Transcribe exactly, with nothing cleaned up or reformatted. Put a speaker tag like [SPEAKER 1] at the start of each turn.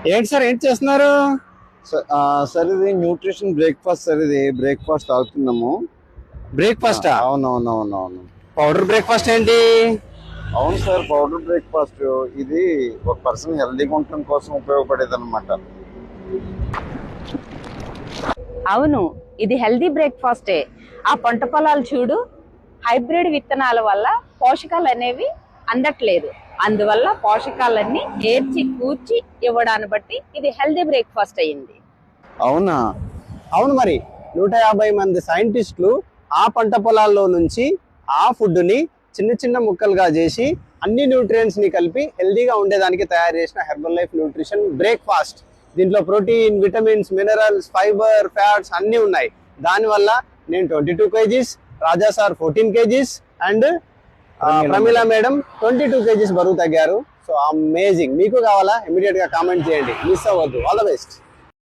[SPEAKER 1] ఏంటి సార్ ఏంటి చేస్తున్నారు?
[SPEAKER 2] సార్ ఇది న్యూట్రిషన్ బ్రేక్ఫాస్ట్ సార్. ఇది బ్రేక్ఫాస్ట్ తాగుతున్నాము.
[SPEAKER 1] బ్రేక్ఫాస్ట్?
[SPEAKER 2] అవునవునవునవును.
[SPEAKER 1] పౌడర్ బ్రేక్ఫాస్ట్ ఏంటి?
[SPEAKER 2] అవును సార్, పౌడర్ బ్రేక్ఫాస్ట్. ఇది ఒక పర్సన్ హెల్దీగా ఉండటం కోసం ఉపయోగపడేది అనమాట.
[SPEAKER 3] అవును, ఇది హెల్దీ బ్రేక్ఫాస్టే. ఆ పంట పొలాలు చూడు, హైబ్రిడ్ విత్తనాల వల్ల పోషకాలు అనేవి అందట్లేదు. అందువల్ల పోషకాలన్నీ ఏర్చి కూర్చి ఇవ్వడాన్ని బట్టి ఇది హెల్దీ బ్రేక్ఫాస్ట్ అయ్యింది.
[SPEAKER 2] అవునా?
[SPEAKER 1] అవును, మరి నూట యాభై మంది సైంటిస్టులు ఆ పంట పొలాల్లో నుంచి ఆ ఫుడ్ ని చిన్న చిన్న ముక్కలుగా చేసి అన్ని న్యూట్రియంట్స్ ని కలిపి హెల్దీగా ఉండేదానికి తయారు చేసిన హెర్బల్ లైఫ్ న్యూట్రిషన్ బ్రేక్ఫాస్ట్. దీంట్లో protein, vitamins, minerals, fibre, fats అన్ని ఉన్నాయి. దానివల్ల నేను twenty two kgs, Raja sir fourteen kgs and Pramila madam twenty two kgs బరువు తగ్గారు. So amazing. మీకు కావాలా? ఇమీడియట్ గా కామెంట్ చేయండి, మిస్ అవ్వద్దు. All the best.